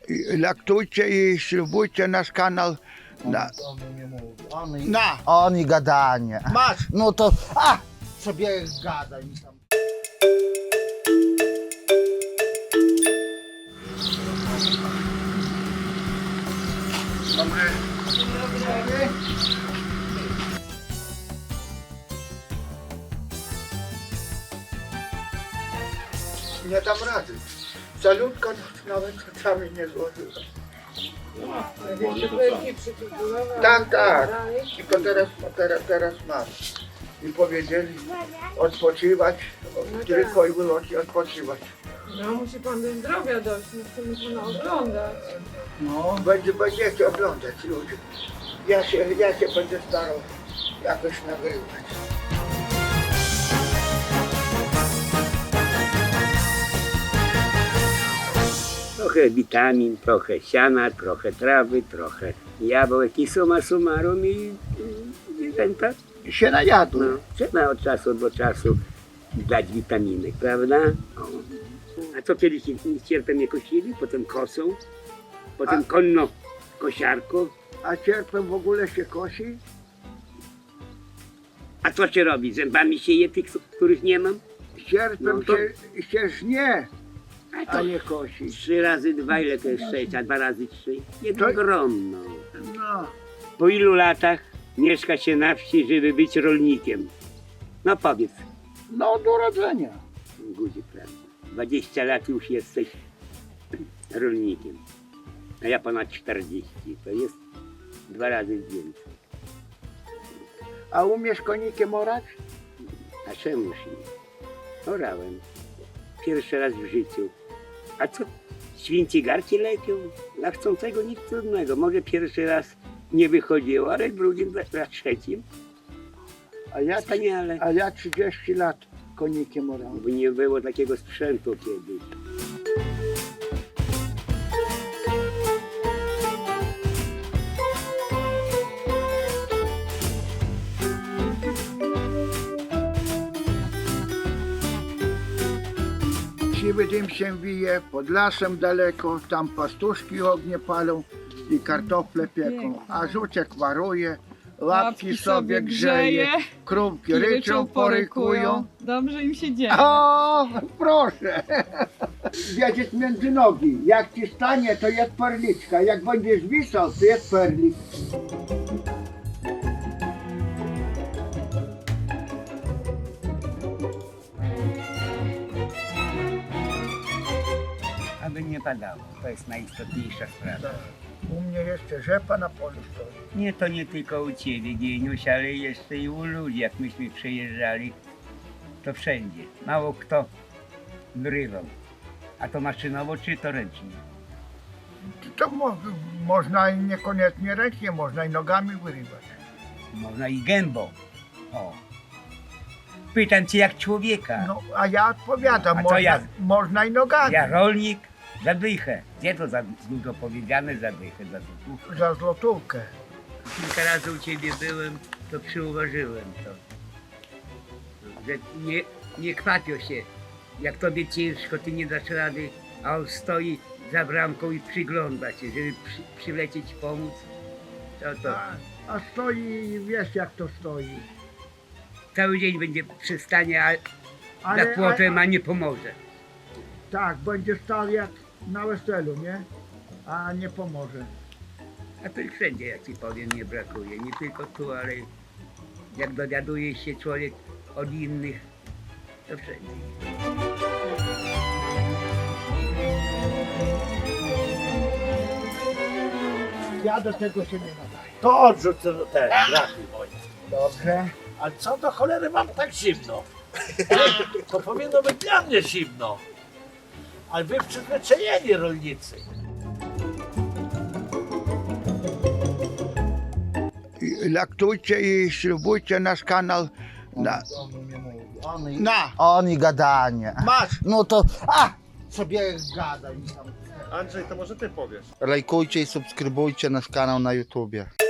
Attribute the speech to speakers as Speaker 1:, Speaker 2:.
Speaker 1: Laktujcie i ślubujcie nasz kanał.
Speaker 2: Oni gadanie.
Speaker 1: Masz!
Speaker 2: No to, sobie gadaj mi tam.
Speaker 1: Dobry. Nie dam rady. Salutka nawet czasami nie złożyła. Tak, tak. I to teraz mam. I powiedzieli odpoczywać, tylko i wyłącznie odpoczywać.
Speaker 3: No musi pan do zdrowia dojść, nie chcemy pana oglądać.
Speaker 1: No, będziecie oglądać ludzie. Ja się będę starał jakoś nagrywać.
Speaker 4: Trochę witamin, trochę siana, trochę trawy, trochę jabłek i summa summarum i zwierzęta.
Speaker 1: Się najadły.
Speaker 4: No, trzeba od czasu do czasu dać witaminy, prawda? O. A co kiedyś cierpem nie kosili, potem kosą, potem konno kosiarką.
Speaker 1: A cierpem w ogóle się kosi?
Speaker 4: A co się robi? Zębami się je tych, których nie mam?
Speaker 1: Cierpem
Speaker 4: No to-
Speaker 1: się żnie,
Speaker 4: A
Speaker 1: a
Speaker 4: to
Speaker 1: nie kosi.
Speaker 4: 3 razy 2, ile to jest 6, a 2 razy 3? Jedno
Speaker 1: To-
Speaker 4: grono.
Speaker 1: No,
Speaker 4: Po ilu latach mieszka się na wsi, żeby być rolnikiem? No powiedz,
Speaker 1: no od urodzenia.
Speaker 4: Guzik, prawda? 20 lat już jesteś rolnikiem, a ja ponad 40, to jest 2 razy więcej.
Speaker 1: A umiesz konikiem orać?
Speaker 4: A czemuż nie? Orałem. Pierwszy raz w życiu. A co? Świnci garci lepią? Dla chcącego nic trudnego. Może pierwszy raz nie wychodziło, ale w drugim, za trzecim wspaniale.
Speaker 1: A ja 30 lat konikiem orałem.
Speaker 4: Bo nie było takiego sprzętu kiedyś.
Speaker 1: Siwy dym się wije, pod lasem daleko, tam pastuszki ognie palą i kartofle pieką, a żuczek waruje, łapki sobie grzeje, krówki ryczą, porykują.
Speaker 3: Dobrze im się dzieje.
Speaker 1: O, proszę! Wiedzieć między nogi, jak ci stanie, to jest perliczka, jak będziesz wisał, to jest perlik.
Speaker 4: Aby nie padało, to jest najistotniejsza sprawa.
Speaker 1: U mnie jeszcze rzepa na polu stoi.
Speaker 4: Nie, to nie tylko u Ciebie, Gieniuś, ale jeszcze i u ludzi. Jak myśmy przejeżdżali, to wszędzie. Mało kto wyrywał. A to maszynowo, czy to ręcznie?
Speaker 1: To można i niekoniecznie ręcznie, można i nogami wyrywać.
Speaker 4: Można i gębą. O. Pytam Cię jak człowieka.
Speaker 1: No, a ja odpowiadam,
Speaker 4: A co
Speaker 1: można,
Speaker 4: ja?
Speaker 1: można i nogami.
Speaker 4: Ja rolnik, zadychę. Gdzie to za dużo powiedziane, zadychę, za złotówkę?
Speaker 1: Za złotówkę.
Speaker 4: Kilka razy u Ciebie byłem, to przyuważyłem to. Że nie kwapio się. Jak Tobie ciężko, Ty nie dasz rady, a on stoi za bramką i przygląda się, żeby przylecieć pomóc. To.
Speaker 1: A stoi, wiesz jak to stoi.
Speaker 4: Cały dzień będzie przy stanie, a
Speaker 1: Ale,
Speaker 4: za płotem, a nie pomoże.
Speaker 1: tak, będzie stał jak na weselu, nie? A nie pomoże.
Speaker 4: A to i wszędzie, jak Ci powiem, nie brakuje. Nie tylko tu, ale jak dowiaduje się człowiek od innych, to wszędzie.
Speaker 1: Ja do tego się nie nadaję.
Speaker 5: To odrzuć te grachy moje.
Speaker 1: Dobrze.
Speaker 5: Ale co do cholery mam tak zimno? To powinno być dla mnie zimno. Ale wy przyzwyczajeni rolnicy.
Speaker 1: Laktujcie i ślubujcie nasz kanał.
Speaker 2: Oni gadanie.
Speaker 1: Masz!
Speaker 2: No to, sobie gadaj mi tam.
Speaker 6: Andrzej, to może ty powiesz.
Speaker 2: Lajkujcie i subskrybujcie nasz kanał na YouTubie.